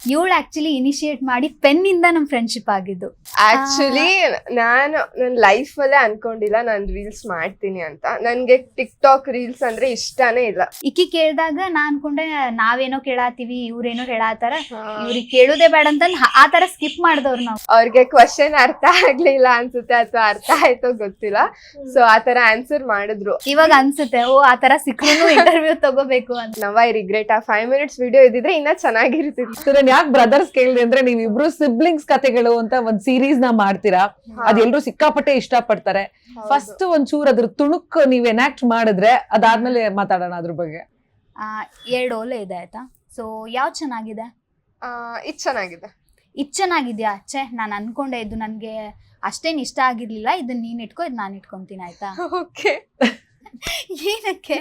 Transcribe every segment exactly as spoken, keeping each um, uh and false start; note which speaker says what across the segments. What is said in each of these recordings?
Speaker 1: ಇವಳು actually initiate ಮಾಡಿ pen ಇಂದ ನಮ್ ಫ್ರೆಂಡ್ಶಿಪ್ ಆಗಿದ್ದು.
Speaker 2: ಆಕ್ಚುಲಿ ನಾನು ನನ್ನ ಲೈಫ್ ಅಲ್ಲೇ ಅನ್ಕೊಂಡಿಲ್ಲ ನಾನು ರೀಲ್ಸ್ ಮಾಡ್ತೀನಿ ಅಂತ. ನನ್ಗೆ ಟಿಕ್ ಟಾಕ್ ರೀಲ್ಸ್ ಅಂದ್ರೆ ಇಷ್ಟನೇ ಇಲ್ಲ.
Speaker 1: ಇಕ್ಕಿ ಕೇಳ್ದಾಗ ನಾ ಅನ್ಕೊಂಡೆ ನಾವೇನೋ ಕೇಳಾತೀವಿ ಇವ್ರೇನೋ ಹೇಳಾತಾರ, ಇವ್ರಿಗೆ ಕೇಳುದೇ ಬೇಡ ಅಂತ ಆ ತರ ಸ್ಕಿಪ್ ಮಾಡಿದವ್ರು ನಾವು.
Speaker 2: ಅವ್ರಿಗೆ ಕ್ವಶನ್ ಅರ್ಥ ಆಗ್ಲಿಲ್ಲ ಅನ್ಸುತ್ತೆ ಅಥವಾ ಅರ್ಥ ಆಯ್ತೋ ಗೊತ್ತಿಲ್ಲ, ಸೊ ಆತರ ಆನ್ಸರ್ ಮಾಡಿದ್ರು.
Speaker 1: ಇವಾಗ ಅನ್ಸುತ್ತೆ ಓ ಆತರ ಸಿಕ್ಕೂ ಇಂಟರ್ವ್ಯೂ ತಗೋಬೇಕು ಅಂತ.
Speaker 2: Now I regret. ಆ ಫೈವ್ ಮಿನಿಟ್ಸ್ ವಿಡಿಯೋ ಇದ್ದಿದ್ರೆ ಇನ್ನ ಚೆನ್ನಾಗಿರ್ತಿತ್ತು.
Speaker 3: ಯಾಕೆ ಬ್ರದರ್ಸ್ ಕೇಳಿದೆ ಅಂದ್ರೆ ನೀವಿಬ್ರು ಸಿಬ್ಲಿಂಗ್ಸ್ ಕಥೆಗಳು ಅಂತ ಒಂದ್ ಸೀರೀಸ್ ನ ಮಾಡ್ತೀರಾ, ಅದೆಲ್ಲರೂ ಸಿಕ್ಕಾಪಟ್ಟೆ ಇಷ್ಟ ಪಡ್ತಾರೆ. ಫಸ್ಟ್ ಒಂದ್ ಚೂರ್ ಅದ್ರ ತುಣುಕ್ ನೀವ್ ಎನಾಕ್ಟ್ ಮಾಡಿದ್ರೆ ಅದಾದ್ಮೇಲೆ ಮಾತಾಡೋಣ ಅದ್ರ ಬಗ್ಗೆ.
Speaker 1: ಆ ಎರಡು ಓಲೆ ಇದೆ ಆಯ್ತಾ. ಸೊ ಯಾವ್ದು ಚೆನ್ನಾಗಿದೆ?
Speaker 2: ಆ ಇದ್ ಚೆನ್ನಾಗಿದೆ.
Speaker 1: ಇದ್ ಚೆನ್ನಾಗಿದ್ಯಾ? ಛೇ ನಾನ್ ಅನ್ಕೊಂಡೆ ಇದು ನನ್ಗೆ ಅಷ್ಟೇನ್ ಇಷ್ಟ ಆಗಿರ್ಲಿಲ್ಲ, ಇದನ್ನ ನೀನ್ ಇಟ್ಕೋ ಇದ್ ನಾನ್ ಇಟ್ಕೊಂತೀನಿ ಆಯ್ತಾ.
Speaker 2: ಓಕೆ.
Speaker 1: ಏನಕ್ಕೆ?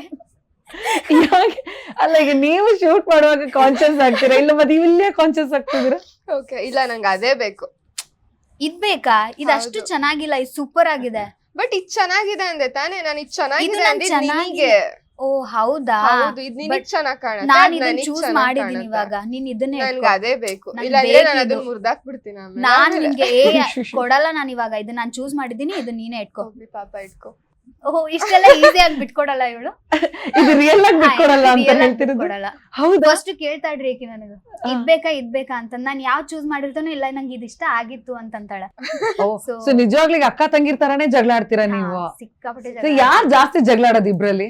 Speaker 3: ಅಲ್ಲ ಈಗ ನೀವು ಶೂಟ್ ಮಾಡುವಾಗ ಕಾನ್ಶಿಯಸ್ ಆಗ್ತೀರಾ ಇಲ್ಲ ಮತ್ತೆ ಇಲ್ಲೇ ಕಾನ್ಶಿಯಸ್ ಆಗ್ತಿದ್ದೀರಾ?
Speaker 2: ಓಕೆ, ಇಲ್ಲ ನಂಗೆ ಅದೇ ಬೇಕು.
Speaker 1: ಇದ್ ಬೇಕಾ? ಇದಷ್ಟು ಚೆನ್ನಾಗಿಲ್ಲ, ಇದು ಸೂಪರ್ ಆಗಿದೆ.
Speaker 2: ಬಟ್ ಇದ್ ಚೆನ್ನಾಗಿದೆ ಅಂದೆ ತಾನೇ. ನಾನು ಇದ್ ಚೆನ್ನಾಗಿದೆ
Speaker 1: ಇದು
Speaker 2: ಅಂದಿದ್
Speaker 1: ಚೆನ್ನಾಗಿ-
Speaker 2: ನಿನಗೆ.
Speaker 1: ಓ ಹೌದಾ?
Speaker 2: ಹೌದು, ಇದ್ ನಿನಗೆ ಚೆನ್ನಾಗಿ ಕಾಣುತ್ತೆ,
Speaker 1: ನಾನ್
Speaker 2: ಅದ್
Speaker 1: ಇದನ್ನ
Speaker 2: ನನಗ್
Speaker 1: ಚೂಸ್
Speaker 2: ಚೆನ್ನಾಗ್
Speaker 1: ಮಾಡಿದೀನಿ
Speaker 2: ಕಾಣುತ್ತೆ.
Speaker 1: ಇವಾಗ. ನೀನ್ ಇದನ್ನೇ
Speaker 2: ನನ್ಗೆ
Speaker 1: ಇಟ್ಕೋ.
Speaker 2: ಅದೇ ಬೇಕು,
Speaker 1: ನಂಗ್
Speaker 2: ಇಲ್ಲಾಂದ್ರೆ
Speaker 1: ಬೇಕು
Speaker 2: ನಾನು
Speaker 1: ಇದು.
Speaker 2: ಅದನ್ನ ಮುರ್ದಾಕ್ ಬಿಡ್ತೀನಿ ಆಮೇಲೆ.
Speaker 1: ನಾನ್ ನಿನ್ಗೆ ಏ ಕೊಡಲ್ಲ ನಾನು ಇವಾಗ. ಇದನ್ನ ನಾನ್ ಚೂಸ್ ಮಾಡಿದೀನಿ, ಇದನ್ನ ನೀನೇ ಇಟ್ಕೋ.
Speaker 2: ಹೋಗ್ಲಿ ಪಾಪ, ಇಟ್ಕೋ.
Speaker 1: ಓಹೋ ಇಷ್ಟೆಲ್ಲ ಈಸಿಯಾಗಿ ಬಿಟ್ಕೊಡಲ್ಲ ಇವಳು.
Speaker 3: ಇದು ರಿಯಲ್ ಆಗಿ ಬಿಟ್ಕೊಡಲ್ಲ ಅಂತ ಹೇಳ್ತಿರೋದು.
Speaker 1: ಕೊಡಲ್ಲ.
Speaker 3: ಹೌದಾ?
Speaker 1: ಫಸ್ಟ್ ಕೇಳ್ತಾ ಇಡ್ರಿ ಏಕೆ ನನಗೆ ಇದ್ ಬೇಕಾ ಇದ್ ಬೇಕಾ ಅಂತ. ನಾನ್ ಯಾವ್ ಚೂಸ್ ಮಾಡಿರ್ತಾನೋ ಇಲ್ಲ ನಂಗೆ ಇದ್ ಇಷ್ಟ ಆಗಿತ್ತು ಅಂತಂತಾಳೆ.
Speaker 3: ಸೊ ನಿಜವಾಗ್ಲಿಗೆ ಅಕ್ಕ ತಂಗಿರ್ ತರಾನೇ ಜಗಳ ಆಡ್ತೀರಾ ನೀವು?
Speaker 1: ಸಿಕ್ಕಾಪಟ್ಟೆ
Speaker 3: So ಯಾರ್ ಜಾಸ್ತಿ ಜಗಳ ಆಡೋದು ಇಬ್ರಲ್ಲಿ?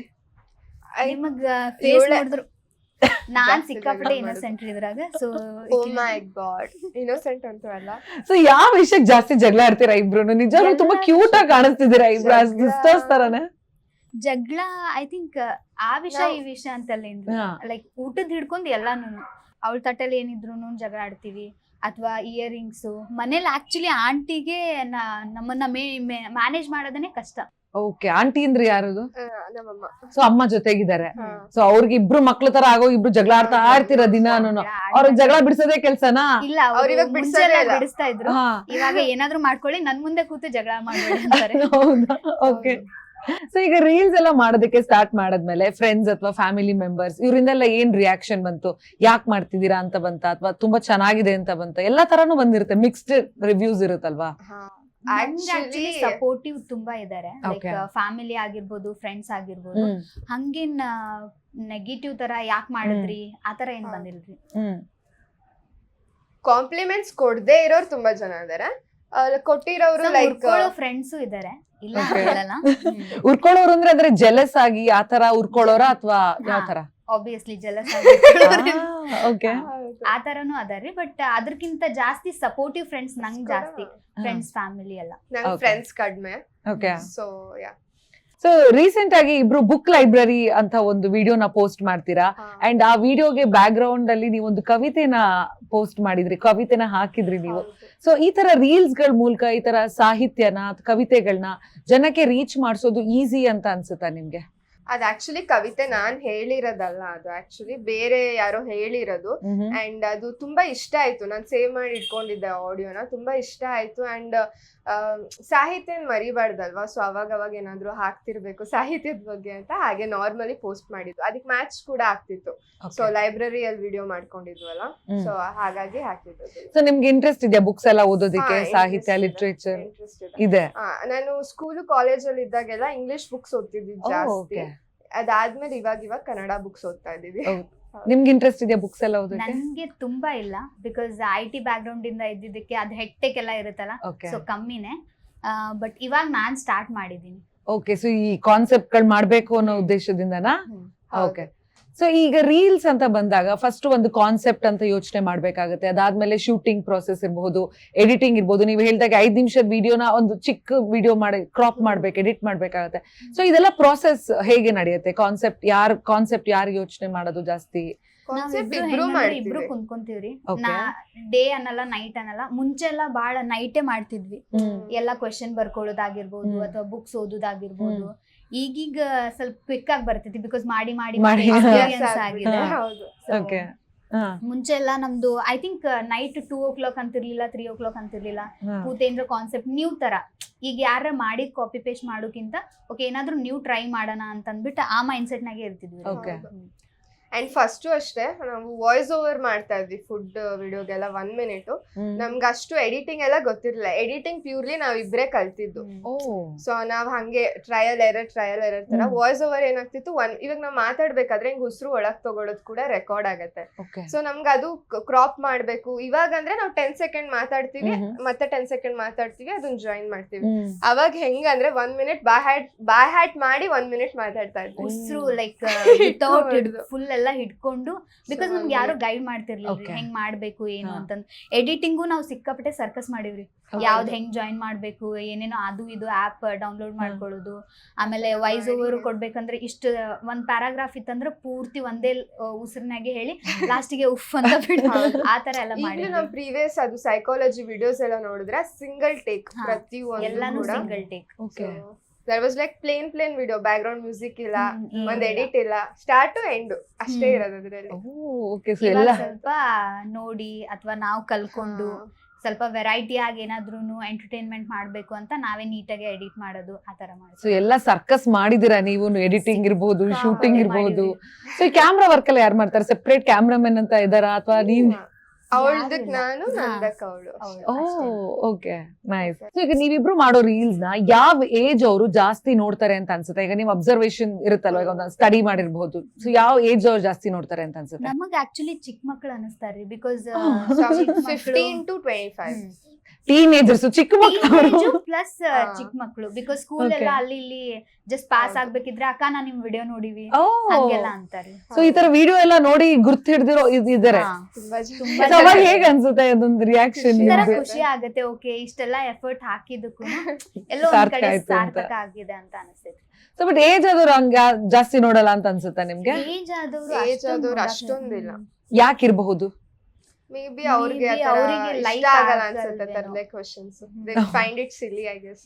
Speaker 1: ನಿಮಗ್ ಫೇಸ್ ನೋಡಿದ್ರು ನಾನ್ ಸಿಕ್ಕಾಪಟ್ಟೆ ಇನ್ನೋಸೆಂಟ್ ಇದ್ರಾಗ. So
Speaker 2: oh my god, innocent ಅಂತೂ ಅಲ್ಲ.
Speaker 3: ಸೊ ಯಾವ ವಿಷಯಕ್ಕೆ ಜಾಸ್ತಿ ಜಗಳ ಆಡ್ತೀರಾ ಇಬ್ರು? ನಿಜವಾಗ್ಲೂ ತುಂಬಾ ಕ್ಯೂಟ್ ಆಗಿ ಕಾಣಿಸ್ತಿದ್ದೀರಾ ಇಬ್ರು, ಸಿಸ್ಟರ್ಸ್ ತರಾನೇ.
Speaker 1: ಜಗಳ ಐ ಥಿಂಕ್ ಆ ವಿಷಯ ಈ ವಿಷಯ ಅಂತಲ್ಲ,
Speaker 3: ಹಾ.
Speaker 1: ಲೈಕ್ ಊಟದ ಹಿಡ್ಕೊಂಡ್ ಎಲ್ಲಾನು ಅವಳ ತಟ್ಟಲ್ಲಿ ಏನಿದ್ರು ಜಗಳ ಆಡ್ತೀವಿ. ಅಥವಾ ಇಯರಿಂಗ್ಸ್ ಮನೇಲಿ ಆಕ್ಚುಲಿ ಆಂಟಿಗೆ ನಮ್ಮನ್ನ ಮ್ಯಾನೇಜ್ ಮಾಡೋದನ್ನೇ ಕಷ್ಟ.
Speaker 3: ಓಕೆ, ಆಂಟಿ ಅಂದ್ರೆ ಯಾರದು?
Speaker 2: ಆ, ನಮ್ಮಮ್ಮ.
Speaker 3: ಸೊ ಅಮ್ಮ ಜೊತೆಗಿದ್ದಾರೆ.
Speaker 2: ಹಾ.
Speaker 3: ಸೊ ಅವ್ರಿಗೆ ಇಬ್ರು ಮಕ್ಳ ತರ ಆಗೋ ಇಬ್ರು ಜಗಳ ಆಡ್ತಾ ಆಡ್ತೀರ ದಿನಾನು. ಅವ್ರಿಗೆ ಜಗಳ ಬಿಡಿಸೋದೇ ಕೆಲ್ಸನಾ?
Speaker 1: ಇಲ್ಲ
Speaker 2: ಅವ್ರ್
Speaker 1: ಅವ್ರು
Speaker 2: ಇವಾಗ
Speaker 1: ಮುಂಚೆ
Speaker 2: ಬಿಡ್ಸೋದೇ
Speaker 1: ಎಲ್ಲ
Speaker 2: ಇಲ್ಲ.
Speaker 1: ಬಿಡಿಸ್ತಾ ಇದ್ರು.
Speaker 3: ಹಾ.
Speaker 1: ಇವಾಗ ಏನಾದ್ರು ಮಾಡ್ಕೊಳ್ಳಿ ನನ್ ಮುಂದೆ ಕೂತು ಜಗಳ ಮಾಡ್ಬೇಡಿ ಅಂತಾರೆ.
Speaker 3: ಹೌದಾ? ಓಕೆ. ಸೊ ಈಗ ರೀಲ್ಸ್ ಎಲ್ಲ ಮಾಡೋದಕ್ಕೆ ಸ್ಟಾರ್ಟ್ ಮಾಡದ್ಮೇಲೆ ಫ್ರೆಂಡ್ಸ್ ಅಥವಾ ಫ್ಯಾಮಿಲಿ ಮೆಂಬರ್ಸ್ ಇವರಿಂದೆಲ್ಲ ಏನ್ ರಿಯಾಕ್ಷನ್ ಬಂತು? ಯಾಕೆ ಮಾಡ್ತಿದ್ದೀರಾ ಅಂತ ಬಂತ ಅಥವಾ ತುಂಬಾ ಚೆನ್ನಾಗಿದೆ ಅಂತ ಬಂತ? ಎಲ್ಲಾ ತರಾನು ಬಂದಿರುತ್ತೆ, ಮಿಕ್ಸ್ಡ್ ರಿವ್ಯೂಸ್ ಇರುತ್ತಲ್ವಾ?
Speaker 2: ಹಾ.
Speaker 1: ಆಕ್ಚುಲಿ
Speaker 2: Actually-
Speaker 1: ಸಪೋರ್ಟಿವ್ ತುಂಬಾ ಇದಾರೆ. Like
Speaker 3: Okay.
Speaker 1: ಫ್ಯಾಮಿಲಿ ಆಗಿರ್ಬೋದು, ಫ್ರೆಂಡ್ಸ್ ಆಗಿರ್ಬೋದು.
Speaker 3: ಹ್ಮ್
Speaker 1: ಹಂಗೇನ್ ನೆಗೆಟಿವ್ ತರ ಯಾಕೆ ಮಾಡಿದ್ರಿ ಆತರ ಏನ್
Speaker 2: ಹಾ.
Speaker 1: ಬಂದಿಲ್ರಿ.
Speaker 3: ಹ್ಮ್
Speaker 2: ಕಾಂಪ್ಲಿಮೆಂಟ್ಸ್ ಕೊಡದೇ ಇರೋರು ತುಂಬಾ ಜನ ಇದಾರೆ. ಕೊಟ್ಟಿರೋರು ಲೈಕ್
Speaker 1: ಫ್ರೆಂಡ್ಸ್ ಇದಾರೆ, ಇಲ್ಲ
Speaker 3: Okay.
Speaker 1: ಹೇಳಲ್ಲ.
Speaker 3: ಉರ್ಕೊಳ್ಳೋರು ಅಂದ್ರೆ ಅಂದ್ರೆ ಜೆಲಸ್ ಆಗಿ ಆತರ ಉರ್ಕೊಳ್ಳೋರ ಅಥವಾ ಯಾವ ತರ?
Speaker 1: Obviously jealous
Speaker 3: okay.
Speaker 1: ಆ ತರನು ಅದಾರಿ. ಬಟ್ ಅದಕ್ಕಿಂತ ಜಾಸ್ತಿ ಸಪೋರ್ಟಿವ್ ಫ್ರೆಂಡ್ಸ್ ನಂಗ್ ಜಾಸ್ತಿ. ಫ್ರೆಂಡ್ಸ್ ಫ್ಯಾಮಿಲಿ ಎಲ್ಲ.
Speaker 2: ನಂಗೆ
Speaker 3: Okay.
Speaker 2: ಫ್ರೆಂಡ್ಸ್ ಕಡಿಮೆ.
Speaker 3: Okay.
Speaker 2: So yeah.
Speaker 3: So recent ಆಗಿ ಇಬ್ರು ಬುಕ್ ಲೈಬ್ರರಿ ಅಂತ ಒಂದು ವಿಡಿಯೋನ ಪೋಸ್ಟ್ ಮಾಡ್ತೀರಾ. ಅಂಡ್ ಆ ವಿಡಿಯೋಗೆ ಬ್ಯಾಕ್ ಗ್ರೌಂಡ್ ಅಲ್ಲಿ ನೀವು ಒಂದು ಕವಿತೆನ ಪೋಸ್ಟ್ ಮಾಡಿದ್ರಿ, ಕವಿತೆನ ಹಾಕಿದ್ರಿ ನೀವು. ಸೊ ಈ ತರ ರೀಲ್ಸ್ ಗಳ ಮೂಲಕ ಈ ತರ ಸಾಹಿತ್ಯನ ಕವಿತೆಗಳನ್ನ ಜನಕ್ಕೆ ರೀಚ್ ಮಾಡಿಸೋದು ಈಸಿ ಅಂತ ಅನ್ಸುತ್ತಾ ನಿಮ್ಗೆ?
Speaker 2: ಅದ್ ಆಕ್ಚುಲಿ ಕವಿತೆ ನಾನ್ ಹೇಳಿರೋದಲ್ಲ, ಅದು ಆಕ್ಚುಲಿ ಬೇರೆ ಯಾರೋ ಹೇಳಿರೋದು. ಅಂಡ್ ಅದು ತುಂಬಾ ಇಷ್ಟ ಆಯ್ತು. ನಾನ್ ಸೇವ್ ಮಾಡಿ ಇಟ್ಕೊಂಡಿದ್ದೆ ಆಡಿಯೋನ, ತುಂಬಾ ಇಷ್ಟ ಆಯ್ತು. ಅಂಡ್ ಸಾಹಿತ್ಯ ಮರಿಬಾರ್ದಲ್ವಾ, ಸೊ ಅವಾಗ ಅವಾಗ ಏನಾದ್ರು ಹಾಕ್ತಿರ್ಬೇಕು ಸಾಹಿತ್ಯದ ಬಗ್ಗೆ ಅಂತ ಹಾಗೆ ನಾರ್ಮಲಿ ಪೋಸ್ಟ್ ಮಾಡಿದ್ದು. ಅದಕ್ಕೆ ಮ್ಯಾಚ್ ಕೂಡ ಆಗ್ತಿತ್ತು. ಸೊ ಲೈಬ್ರರಿಯಲ್ಲಿ ವಿಡಿಯೋ ಮಾಡ್ಕೊಂಡಿದ್ವಲ್ಲ, ಸೊ ಹಾಗಾಗಿ ಹಾಕಿದ್ದು.
Speaker 3: ಸೊ ನಿಮ್ಗೆ ಇಂಟ್ರೆಸ್ಟ್ ಇದೆಯಾ ಬುಕ್ಸ್ ಎಲ್ಲ ಓದೋದಕ್ಕೆ? ಸಾಹಿತ್ಯ, ಲಿಟ್ರೇಚರ್ ಇದೆ?
Speaker 2: ನಾನು ಸ್ಕೂಲ್ ಕಾಲೇಜ್ ಅಲ್ಲಿ ಇದ್ದಾಗೆಲ್ಲ ಇಂಗ್ಲಿಷ್ ಬುಕ್ಸ್ ಓದ್ತಿದ್ವಿ ಜಾಸ್ತಿ. ಅದಾದ್ಮೇಲೆ ಇವಾಗ ಇವಾಗ ಕನ್ನಡ ಬುಕ್ಸ್ ಓದ್ತಾ ಇದೀವಿ.
Speaker 3: ನಿಮ್ಗೆ ಇಂಟ್ರೆಸ್ಟ್ ಇದೆಯಾ ಬುಕ್ಸ್ ಎಲ್ಲ ಓದೋಕೆ?
Speaker 1: ನನ್ಗೆ ತುಂಬಾ ಇಲ್ಲ, because I T background ಇಂದ ಇದ್ದಿದ್ದಕ್ಕೆ ಅದು ಹೆಕ್ಟೆಕ್ ಎಲ್ಲ ಇರುತ್ತಲ್ಲ, ಸೊ ಕಮ್ಮಿನೇ. ಬಟ್ ಇವಾಗ ನಾನ್ ಸ್ಟಾರ್ಟ್ ಮಾಡಿದೀನಿ.
Speaker 3: ಓಕೆ. ಸೊ ಈ ಕಾನ್ಸೆಪ್ಟ್ ಗಳು ಮಾಡ್ಬೇಕು ಅನ್ನೋ ಉದ್ದೇಶದಿಂದನಾ? ಓಕೆ. ಸೊ ಈಗ ರೀಲ್ಸ್ ಅಂತ ಬಂದಾಗ ಫಸ್ಟ್ ಒಂದು ಕಾನ್ಸೆಪ್ಟ್ ಅಂತ ಯೋಚನೆ ಮಾಡ್ಬೇಕಾಗುತ್ತೆ. ಅದಾದ್ಮೇಲೆ ಶೂಟಿಂಗ್ ಪ್ರೊಸೆಸ್ ಇರಬಹುದು, ಎಡಿಟಿಂಗ್ ಇರ್ಬೋದು. ನೀವು ಹೇಳಿದಾಗ ಐದ್ ನಿಮಿಷದ ವಿಡಿಯೋನ ಒಂದು ಚಿಕ್ಕ ವಿಡಿಯೋ ಮಾಡಿ ಕ್ರಾಪ್ ಮಾಡ್ಬೇಕು, ಎಡಿಟ್ ಮಾಡ್ಬೇಕಾಗತ್ತೆ. ಸೊ ಇದೆಲ್ಲ ಪ್ರೊಸೆಸ್ ಹೇಗೆ ನಡೆಯುತ್ತೆ? ಕಾನ್ಸೆಪ್ಟ್ ಯಾರ್ ಕಾನ್ಸೆಪ್ಟ್ ಯಾರು ಯೋಚನೆ ಮಾಡೋದು ಜಾಸ್ತಿ?
Speaker 1: ಇಬ್ರು ಕುಂತ್ಕೊಂತೀವ್ರಿ. ನಾ ಡೇ ಅನ್ನಲ್ಲ, ನೈಟ್ ಅನ್ನಲ್ಲ. ಮುಂಚೆ ಎಲ್ಲ ಬಾಳ ನೈಟೇ ಮಾಡ್ತಿದ್ವಿ. ಎಲ್ಲಾ ಕ್ವೆಶನ್ ಬರ್ಕೊಳ್ಳೋದಾಗಿರ್ಬೋದು ಅಥವಾ ಬುಕ್ಸ್ ಓದೋದಾಗಿರ್ಬೋದು. ಈಗೀಗ ಸ್ವಲ್ಪ ಕ್ವಿಕ್ ಆಗಿ ಬರ್ತೈತಿ, ಬಿಕಾಸ್ ಮಾಡಿ ಮಾಡಿ ಎಕ್ಸ್ಪೀರಿಯನ್ಸ್ ಆಗಿದೆ. ಮುಂಚೆ ಎಲ್ಲ ನಮ್ದು I think night two o'clock ಅಂತಿರ್ಲಿಲ್ಲ, ತ್ರೀ ಓ ಕ್ಲಾಕ್ ಅಂತಿರ್ಲಿಲ್ಲ. ಕೂತೇನ್ರ ಕಾನ್ಸೆಪ್ಟ್ ನ್ಯೂ ತರ. ಈಗ ಯಾರ ಮಾಡಿದ್ ಕಾಪಿ ಪೇಸ್ಟ್ ಮಾಡೋಕ್ಕಿಂತ ಓಕೆ ಏನಾದ್ರು ನ್ಯೂ ಟ್ರೈ ಮಾಡೋಣ ಅಂತ ಅಂದ್ಬಿಟ್ಟು ಆ ಮೈಂಡ್ ಸೆಟ್ ನಾಗೆ ಇರ್ತಿದ್ವಿ.
Speaker 2: ಅಂಡ್ ಫಸ್ಟ್ ಅಷ್ಟೇ ನಾವು ವಾಯ್ಸ್ ಓವರ್ ಮಾಡ್ತಾ ಇದ್ವಿ ಫುಡ್ ವಿಡಿಯೋಗೆಲ್ಲ ಒನ್ ಮಿನಿಟ್ ನಮ್ಗೆ ಅಷ್ಟು ಎಡಿಟಿಂಗ್ ಎಲ್ಲ ಗೊತ್ತಿರ್ಲಿಲ್ಲ. ಎಡಿಟಿಂಗ್ ಪ್ಯೂರ್ಲಿ ನಾವ್ ಇಬ್ರೇ ಕಲ್ತಿದ್ದು. ಸೊ ನಾವ್ ಹಂಗೆ ಟ್ರಯಲ್ ಎರರ್ ಟ್ರಯಲ್ ಎರರ್ ತರ ವಾಯ್ಸ್ ಓವರ್ ಏನಾಗ್ತಿತ್ತು, ಒನ್ ಇವಾಗ ನಾವ್ ಮಾತಾಡ್ಬೇಕಾದ್ರೆ ಹಿಂಗ್ ಉಸಿರು ಒಳಗ್ ತಗೊಳೋದ್ ಕೂಡ ರೆಕಾರ್ಡ್ ಆಗತ್ತೆ. ಸೊ ನಮ್ಗೆ ಅದು ಕ್ರಾಪ್ ಮಾಡ್ಬೇಕು. ಇವಾಗ ಅಂದ್ರೆ ನಾವು ಟೆನ್ ಸೆಕೆಂಡ್ ಮಾತಾಡ್ತೀವಿ, ಮತ್ತೆ ಟೆನ್ ಸೆಕೆಂಡ್ ಮಾತಾಡ್ತೀವಿ, ಅದನ್ನ ಜಾಯಿನ್ ಮಾಡ್ತೀವಿ. ಅವಾಗ ಹೆಂಗಂದ್ರೆ one minute by heart by heart ಮಾಡಿ ಒನ್ ಮಿನಿಟ್ ಮಾತಾಡ್ತಾ ಇದ್ವಿ.
Speaker 1: ಉಸಿರು ಲೈಕ್ ವಿತೌಟ್ ಫುಲ್ ಎಲ್ಲ ಹಿಡ್ಕೊಂಡು, ಬಿಕಾಸ್ ನಮ್ಗೆ ಯಾರು ಗೈಡ್ ಮಾಡ್ತಿರ್ಲಿಲ್ಲ ಹೆಂಗ್ ಮಾಡ್ಬೇಕು ಏನು ಅಂತಂದ್. ಎಡಿಟಿಂಗು ನಾವು ಸಿಕ್ಕಾಪಟ್ಟೆ ಸರ್ಕಸ್ ಮಾಡಿವ್ರಿ, ಯಾವ್ದ್ ಹೆಂಗ್ ಜಾಯಿನ್ ಮಾಡ್ಬೇಕು, ಏನೇನೋ ಅದು ಇದು ಆಪ್ ಡೌನ್ಲೋಡ್ ಮಾಡ್ಕೊಳ್ಳೋದು. ಆಮೇಲೆ ವಾಯ್ಸ್ ಓವರ್ ಕೊಡ್ಬೇಕಂದ್ರೆ ಇಷ್ಟ ಒಂದ್ ಪ್ಯಾರಾಗ್ರಾಫ್ ಇತ್ತಂದ್ರೆ ಪೂರ್ತಿ ಒಂದೇ ಉಸಿರಿನಾಗೆ ಹೇಳಿ ಲಾಸ್ಟಿಗೆ ಉಫ್ ಅಂತ ಬಿಟ್ಟು ಆತರ ಎಲ್ಲ ಮಾಡಿ.
Speaker 2: ನಮ್ ಪ್ರೀವಿಯಸ್ ಅದು ಸೈಕಾಲಜಿ ವಿಡಿಯೋಸ್ ಎಲ್ಲ ನೋಡಿದ್ರೆ ಸಿಂಗಲ್ ಟೇಕ್, ಪ್ರತಿ
Speaker 1: ಎಲ್ಲಾನು single take.
Speaker 2: There was like plain plain video, background music ಇಲ್ಲ, ಒಂದ್ ಎಡಿಟ್ ಇಲ್ಲ, ಸ್ಟಾರ್ಟ್ ಟು ಎಂಡ್ ಅಷ್ಟೇ ಇರೋದು ಅದ್ರಲ್ಲಿ.
Speaker 1: ಸ್ವಲ್ಪ ನೋಡಿ ಅಥವಾ ನಾವು ಕಲ್ಕೊಂಡು ಸ್ವಲ್ಪ ವೆರೈಟಿ ಆಗಿ ಏನಾದ್ರೂ ಎಂಟರ್ಟೈನ್ಮೆಂಟ್ ಮಾಡ್ಬೇಕು ಅಂತ ನಾವೇ ನೀಟಾಗಿ ಎಡಿಟ್ ಮಾಡೋದು ಆತರ ಮಾಡಿ.
Speaker 3: ಸೊ ಎಲ್ಲ ಸರ್ಕಸ್ ಮಾಡಿದಿರಾ ನೀವು, ಎಡಿಟಿಂಗ್ ಇರ್ಬೋದು, ಶೂಟಿಂಗ್ ಇರ್ಬೋದು. ಸೊ ಈ ಕ್ಯಾಮ್ರಾ ವರ್ಕ್ ಎಲ್ಲ ಯಾರು ಮಾಡ್ತಾರೆ? ಸೆಪರೇಟ್ ಕ್ಯಾಮ್ರಾಮನ್ ಅಂತ ಇದಾರಾ ಅಥವಾ ನೀವು?
Speaker 2: ಅವಳದಕ್ ನಾನು, ನಂದಕ್ ಅವಳು.
Speaker 3: Okay, nice. ಸೊ ಈಗ ನೀವಿಬ್ರು ಮಾಡೋ ರೀಲ್ಸ್ ನ ಯಾವ ಏಜ್ ಅವರು ಜಾಸ್ತಿ ನೋಡ್ತಾರೆ ಅಂತ ಅನ್ಸುತ್ತೆ? ಈಗ ನೀವು ಅಬ್ಸರ್ವೇಷನ್ ಇರುತ್ತಲ್ವ, ಈಗ ಒಂದು ಸ್ಟಡಿ ಮಾಡಿರ್ಬಹುದು. ಸೊ ಯಾವ ಏಜ್ ಅವ್ರು ಜಾಸ್ತಿ ನೋಡ್ತಾರೆ ಅಂತ ಅನ್ಸುತ್ತೆ?
Speaker 1: ನಮಗ್ ಆಕ್ಚುಲಿ ಚಿಕ್ಕ ಮಕ್ಳು ಅನಿಸ್ತಾರ್ರಿ, because
Speaker 2: fifteen to twenty five
Speaker 3: teenagers, ಚಿಕ್ಕ ಮಕ್ಕಳು
Speaker 1: ಪ್ಲಸ್ ಚಿಕ್ಕ ಮಕ್ಕಳು. ಬಿಕಾಸ್ ಸ್ಕೂಲ್ ಎಲ್ಲ ಅಲ್ಲಿ ಇಲ್ಲಿ ಜಸ್ಟ್ ಪಾಸ್ ಆಗ್ಬೇಕಿದ್ರೆ ಅಕ್ಕ ನಾನ್ ನಿಮ್ ವಿಡಿಯೋ ನೋಡಿವಿ ಹಂಗೆಲ್ಲ ಅಂತಾರೆ.
Speaker 3: ಸೊ ಈ ತರ ವಿಡಿಯೋ ಎಲ್ಲ ನೋಡಿ ಗುರ್ತು ಹಿಡ್ದಿರೋ ಇದಾರೆ. ಅವಾಗ ಹೇಗ್ ಅನ್ಸುತ್ತೆ ಅದೊಂದು ರಿಯಾಕ್ಷನ್?
Speaker 1: ಖುಷಿ ಆಗತ್ತೆ, ಓಕೆ ಇಷ್ಟೆಲ್ಲ ಎಫರ್ಟ್ ಹಾಕಿದಕ್ಕೂ ಎಲ್ಲೋ ಒಂದ್ ಕಡೆ ಸಾರ್ಥಕ ಆಗಿದೆ ಅಂತ ಅನಿಸ್ತೈತಿ.
Speaker 3: ಸೊ ಬಟ್ ಏಜ್ ಆದವ್ರು ಹಂಗ ಜಾಸ್ತಿ ನೋಡಲ್ಲ ಅಂತ ಅನ್ಸುತ್ತೆ ನಿಮ್ಗೆ?
Speaker 1: ಏಜ್ ಆದವ್ರು
Speaker 2: ಏಜ್ ಆದವ್ರು ಅಷ್ಟೊಂದಿಲ್ಲ.
Speaker 3: ಯಾಕಿರಬಹುದು?
Speaker 2: ಮೇ ಬಿ ಅವ್ರಿಗೆ
Speaker 1: ಅವ್ರಿಗೆ
Speaker 2: ಲೈಕ್ ಆಗಲ್ಲ ಅನ್ಸುತ್ತೆ ತರಲೆ questions. They find it silly, I guess.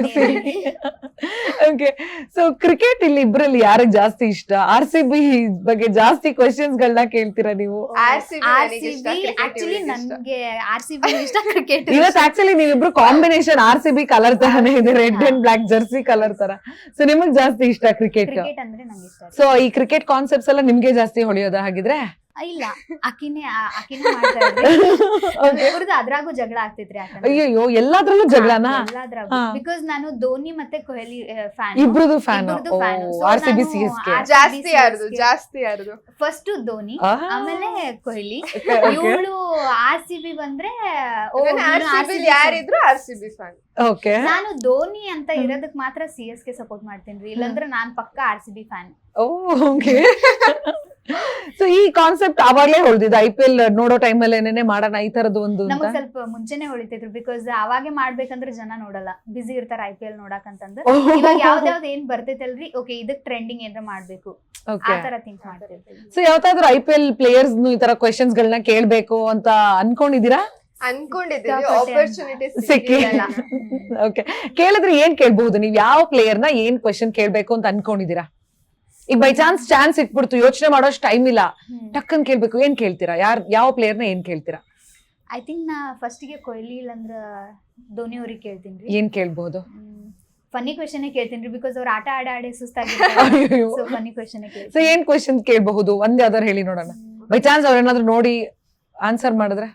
Speaker 3: Okay, so cricket ಇಲ್ಲಿ ಇಬ್ರಲ್ಲಿ ಯಾರಿಗೆ ಜಾಸ್ತಿ ಇಷ್ಟ? ಆರ್ ಸಿ ಬಿ ಬಗ್ಗೆ ಜಾಸ್ತಿ ಕ್ವೆಶ್ಚನ್ಸ್ ಗಳನ್ನ ಕೇಳ್ತೀರಾ ನೀವು?
Speaker 2: ಆರ್ ಸಿ ಬಿ
Speaker 1: ಆಕ್ಚುಲಿ ನನ್ಗೆ ಆರ್ ಸಿ ಬಿ ಇಷ್ಟ, ಕ್ರಿಕೆಟ್
Speaker 3: ಇವತ್ತು ಆಕ್ಚುಲಿ ನೀವಿಬ್ರು combination R C B colour ತರಾನೇ ಇದೆ, red and black jersey colour ತರ. ಸೊ ನಿಮಗ್ ಜಾಸ್ತಿ ಇಷ್ಟ ಕ್ರಿಕೆಟ್?
Speaker 1: ಕ್ರಿಕೆಟ್ ಅಂದ್ರೆ ನಂಗೆ ಇಷ್ಟ.
Speaker 3: ಸೊ ಈ ಕ್ರಿಕೆಟ್ ಕಾನ್ಸೆಪ್ಟ್ಸ್ ಎಲ್ಲ ನಿಮ್ಗೆ ಜಾಸ್ತಿ ಹೊಳೆಯೋದ ಹಾಗಿದ್ರೆ?
Speaker 1: ಇಲ್ಲ, ಅಕಿನೇ ಅಕಿನೇ ಮಾಡ್ತಾ ಇದ್ರಿ. ಇವ್ರದ್ದು ಅದ್ರಾಗೂ ಜಗಳ ಆಗ್ತಿದ್ರಿ.
Speaker 3: ಅಯ್ಯೋ, ಎಲ್ಲಾದ್ರಲ್ಲೂ ಜಗಳನಾ?
Speaker 1: ಎಲ್ಲಾದ್ರಾಗೂ. ಬಿಕಾಸ್ ನಾನು ಧೋನಿ ಮತ್ತೆ ಕೊಹ್ಲಿ ಫ್ಯಾನ್,
Speaker 3: ಇಬ್ರದು fan. R C B C S K
Speaker 2: ಜಾಸ್ತಿ ಯಾರ್ದು ಜಾಸ್ತಿ ಯಾರ್ದು?
Speaker 1: ಫಸ್ಟ್ ಧೋನಿ, ಆಮೇಲೆ ಕೊಹ್ಲಿ. ಇವಳು ಆರ್ ಸಿ ಬಿ ಬಂದ್ರೆ
Speaker 2: ಯಾರಿದ್ರು R C B fan.
Speaker 3: Okay,
Speaker 1: ನಾನು ಧೋನಿ ಅಂತ ಇರೋದಕ್ ಮಾತ್ರ ಸಿ ಎಸ್ ಕೆ ಸಪೋರ್ಟ್ ಮಾಡ್ತೀನಿ, ಇಲ್ಲಾಂದ್ರೆ ನಾನ್ ಪಕ್ಕ R C B fan.
Speaker 3: Okay, so ಈ ಕಾನ್ಸೆಪ್ಟ್ ಅವಾಗ್ಲೇ ಹೊಳ್ದಿದ್ದು ಐ ಪಿ ಎಲ್ ನೋಡೋ ಟೈಮಲ್ಲಿ ಏನೇನೆ ಮಾಡೋಣ ಈ ತರದ್ದು ಒಂದು?
Speaker 1: ನಮಗ್ ಸ್ವಲ್ಪ ಮುಂಚೆನೆ ಹೊಳಿತಿದ್ರು, ಬಿಕಾಸ್ ಅವಾಗೆ ಮಾಡ್ಬೇಕಂದ್ರೆ ಜನ ನೋಡಲ್ಲ, ಬಿಸಿ ಇರ್ತಾರ ಐ ಪಿ ಎಲ್ ನೋಡಕಂತಂದ್ರೆ. ಇವಾಗ ಯಾವ್ದಾವ್ದು ಏನ್ ಬರ್ತೈತಲ್ರಿ, ಓಕೆ ಇದಕ್ ಟ್ರೆಂಡಿಂಗ್ ಏನಾರ ಮಾಡ್ಬೇಕು ಆ ತರ ಥಿಂಕ್ ಮಾಡ್ತಿರ್ತೀವಿ.
Speaker 3: ಸೊ ಯಾವ್ದಾದ್ರು ಐ ಪಿ ಎಲ್ ಪ್ಲೇಯರ್ಸ್ ಈ ತರ ಕ್ವೆಶನ್ಸ್ ಗಳನ್ನ ಕೇಳ್ಬೇಕು ಅಂತ ಅನ್ಕೊಂಡಿದೀರಾ?
Speaker 2: ಅನ್ಕೊಂಡಿದ್ದೀವಿ, ಆಪರ್ಚುನಿಟಿ
Speaker 3: ಸಿಕ್ಕಿಲ್ಲ. ಓಕೆ, ಕೇಳಿದ್ರೆ ಏನ್ ಕೇಳ್ಬಹುದು? ನೀವ್ ಯಾವ ಪ್ಲೇಯರ್ ನ ಏನ್ ಕ್ವೆಶನ್ ಕೇಳ್ಬೇಕು ಅಂತ ಅನ್ಕೊಂಡಿದೀರಾ? ಈಗ ಬೈ ಚಾನ್ಸ್ ಚಾನ್ಸ್ ಇಟ್ಬಿಡ್ತು, ಯೋಚನೆ ಮಾಡೋಷ್ಟು ಟೈಮ್ ಇಲ್ಲ, ಟಕ್ಕನ್ ಕೇಳ್ಬೇಕು, ಏನ್ ಕೇಳ್ತೀರಾ? ಯಾರ್ ಯಾವ ಪ್ಲೇಯರ್ ನ ಏನ್ ಕೇಳ್ತೀರಾ?
Speaker 1: ಐ ಥಿಂಕ್ ನಾ ಫಸ್ಟ್ ಗೆ ಕೊಹ್ಲಿ ಇಲ್ಲಂದ್ರ ಧೋನಿ ಅವ್ರಿಗೆ ಕೇಳ್ತೀನಿ.
Speaker 3: ಏನ್ ಕೇಳ್ಬಹುದು?
Speaker 1: ಫನ್ನಿ ಕ್ವೆಶನ್ ಕೇಳ್ತೀನಿ, ಬಿಕಾಸ್ ಅವ್ರ ಆಟ ಆಡ ಆಡಿ ಸುಸ್ತಾಗಿರ್ತಾರೆ. ಸೊ ಫನ್ನಿ ಕ್ವೆಶನ್ ಕೇಳ್ತೀನಿ.
Speaker 3: ಸೊ ಏನ್ ಕ್ವೆಶನ್ ಕೇಳ್ಬಹುದು? ಒಂದ್ ಯಾವ್ದಾರು ಹೇಳಿ ನೋಡೋಣ. ಬೈ ಚಾನ್ಸ್ ಅವ್ರ ಏನಾದ್ರು ನೋಡಿ ಆನ್ಸರ್ ಮಾಡಿದ್ರೆ?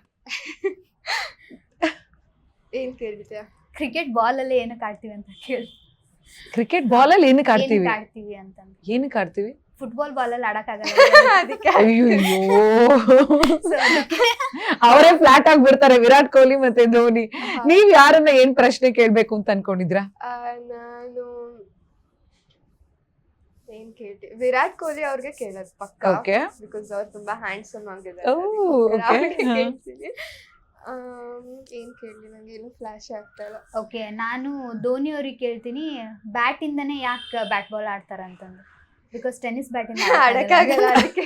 Speaker 2: ಏನ್ ಕೇಳ್ತೀಯ?
Speaker 1: ಕ್ರಿಕೆಟ್ ಬಾಲ್ ಅಲ್ಲಿ ಏನಕ್ಕೆ ಆಡ್ತೀವಿ ಅಂತ ಕೇಳಿ.
Speaker 3: ಕ್ರಿಕೆಟ್ ಬಾಲ್ ಅಲ್ಲಿ ಏನಕ್ಕೆ ಆಡ್ತೀವಿ
Speaker 1: ಆಡ್ತೀವಿ ಅಂತ?
Speaker 3: ಏನಕ್ಕೆ ಆಡ್ತೀವಿ?
Speaker 1: ಫುಟ್ಬಾಲ್ ಬಾಲ್ ಅಲ್ಲಿ ಆಡಕ್ ಆಗಲ್ಲ.
Speaker 3: ಅಯ್ಯೋ, ಅವರೇ ಫ್ಲಾಟ್ ಆಗಿ ಬಿಡ್ತಾರೆ ವಿರಾಟ್ ಕೊಹ್ಲಿ ಮತ್ತೆ ಧೋನಿ. ನೀವ್ ಯಾರನ್ನ ಏನ್ ಪ್ರಶ್ನೆ ಕೇಳ್ಬೇಕು ಅಂತ ಅನ್ಕೊಂಡಿದ್ರಾ?
Speaker 2: ನಾನು ಏನ್ ಕೇಳ್ತೀವಿ, ವಿರಾಟ್ ಕೊಹ್ಲಿ ಅವ್ರಿಗೆ ಕೇಳೋದು ಪಕ್ಕ, ಬಿಕಾಸ್ ಅವ್ರು ತುಂಬಾ ಹ್ಯಾಂಡ್ಸಮ್ ಆಗಿದ್ದಾರೆ. ಏನ್ ಕೇಳಿ, ನಂಗೆ ಏನು ಫ್ಲಾಶ್ ಆಗ್ತಾ ಇಲ್ಲ.
Speaker 1: ಓಕೆ, ನಾನು ಧೋನಿ ಅವ್ರಿಗೆ ಕೇಳ್ತೀನಿ, ಬ್ಯಾಟ್ ಇಂದನೇ ಯಾಕೆ ಬ್ಯಾಟ್ ಬಾಲ್ ಆಡ್ತಾರ ಅಂತಂದು. ಬಿಕಾಸ್ ಟೆನ್ನಿಸ್ ಬ್ಯಾಟ್ ಇಂದ
Speaker 2: ಆಡಕ್ಕಾಗಲ್ಲ ಅದಕ್ಕೆ.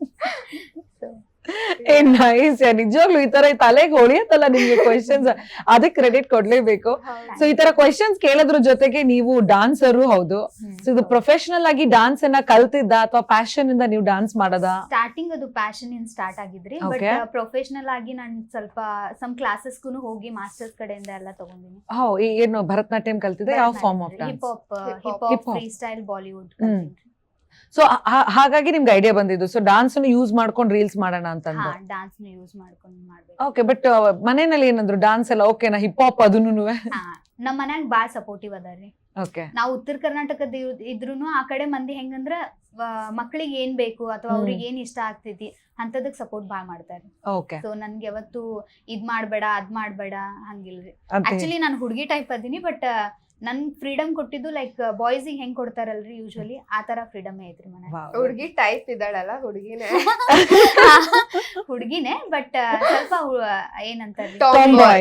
Speaker 3: ಏ ನೈಸ್, ನಿಜವಾಗ್ಲೂ ಈ ತರ ತಲೆಗೆ ಹೊಳಿಯತ್ತಲ್ಲ ನಿಮ್ಗೆ ಕ್ವೆಶನ್ಸ್, ಅದಕ್ಕೆ ಕ್ರೆಡಿಟ್ ಕೊಡ್ಲೇಬೇಕು. ಸೊ ಈ ತರ ಕ್ವೆಶನ್ಸ್ ಕೇಳೋದ್ರ ಜೊತೆಗೆ ನೀವು ಡಾನ್ಸರು ಹೌದು. ಸೊ ಇದು ಪ್ರೊಫೆಷನಲ್ ಆಗಿ ಡಾನ್ಸ್ ಅನ್ನ ಕಲ್ತಿದ್ದ ಅಥವಾ ಪ್ಯಾಷನ್ ಇಂದ ನೀವು ಡಾನ್ಸ್ ಮಾಡೋದಾ?
Speaker 1: ಸ್ಟಾರ್ಟಿಂಗ್ ಅದು ಪ್ಯಾಷನ್ ಇಂದ ಸ್ಟಾರ್ಟ್ ಆಗಿದ್ರಿ, ಬಟ್ ಪ್ರೊಫೆಷನಲ್ ಆಗಿ ನಾನು ಸ್ವಲ್ಪ ಸಮ್ ಕ್ಲಾಸಸ್ಗೂ ಹೋಗಿ ಮಾಸ್ಟರ್ಸ್ ಕಡೆಯಿಂದ ಎಲ್ಲ ತಗೊಂಡಿನಿ.
Speaker 3: ಹೌ ಏನು ಭರತನಾಟ್ಯಂ ಕಲ್ತಿದ್ದೆ? ಯಾವ form of dance?
Speaker 1: Hip hop, hip hop, freestyle, Bollywood.
Speaker 3: So ಹಾಗಾಗಿ ನಿಮ್ಗೆ ಐಡಿಯಾ ಬಂದಿದ್ದು ಸೊ ಡಾನ್ಸ್ ಯೂಸ್ ಮಾಡ್ಕೊಂಡು ರೀಲ್ಸ್ ಮಾಡೋಣ ಅಂತಂದು.
Speaker 1: ಡಾನ್ಸ್ ಯೂಸ್ ಮಾಡ್ಕೊಂಡು ಮಾಡ್ಬೇಕು.
Speaker 3: ಓಕೆ, ಬಟ್ ಮನೆಯಲ್ಲಿ ಏನಂದ್ರು ಡಾನ್ಸ್ ಎಲ್ಲ ಓಕೆನಾ, ಹಿಪ್ ಹಾಪ್ ಅದನ್ನು?
Speaker 1: ನಮ್ಮ ಮನ್ಯಾಗ ಬಾಳ್ ಸಪೋರ್ಟಿವ್ ಅದಾರ್ರಿ.
Speaker 3: ಓಕೆ,
Speaker 1: ನಾವು ಉತ್ತರ ಕರ್ನಾಟಕದ ಇದ್ರೂನು ಆ ಕಡೆ ಮಂದಿ ಹೆಂಗಂದ್ರ ಮಕ್ಳಿಗೆ ಏನ್ ಬೇಕು ಅಥವಾ ಅವ್ರಿಗೆ ಏನ್ ಇಷ್ಟ ಆಗ್ತೈತಿ ಅಂತದಕ್ ಸಪೋರ್ಟ್ ಬಾಳ್ ಮಾಡ್ತಾರೆ.
Speaker 3: ಓಕೆ,
Speaker 1: ಸೊ ನನ್ಗೆ ಯಾವತ್ತು ಇದ್ ಮಾಡ್ಬೇಡ ಅದ್ ಮಾಡ್ಬೇಡ ಹಂಗಿಲ್ರಿ. ಆಕ್ಚುಲಿ ನಾನು ಹುಡುಗಿ ಟೈಪ್ ಅದೀನಿ, ಬಟ್ ನನ್ ಫ್ರೀಡಮ್ ಕೊಟ್ಟಿದ್ದು ಲೈಕ್ ಬಾಯ್ಸ್ ಹೆಂಗ್ ಕೊಡ್ತಾರಲ್ರಿ ಯೂಶುವಲಿ ಆ ತರ ಫ್ರೀಡಮ್ ಐತ್ರಿ ಮನೆ.
Speaker 2: ಹುಡುಗಿ ಟೈಪ್ ಇದ್ದಾಳಲ್ಲ, ಹುಡುಗಿನೇ
Speaker 1: ಹುಡುಗಿನೇ, ಬಟ್ ಸ್ವಲ್ಪ ಏನಂತಾರೆ
Speaker 3: Tomboy.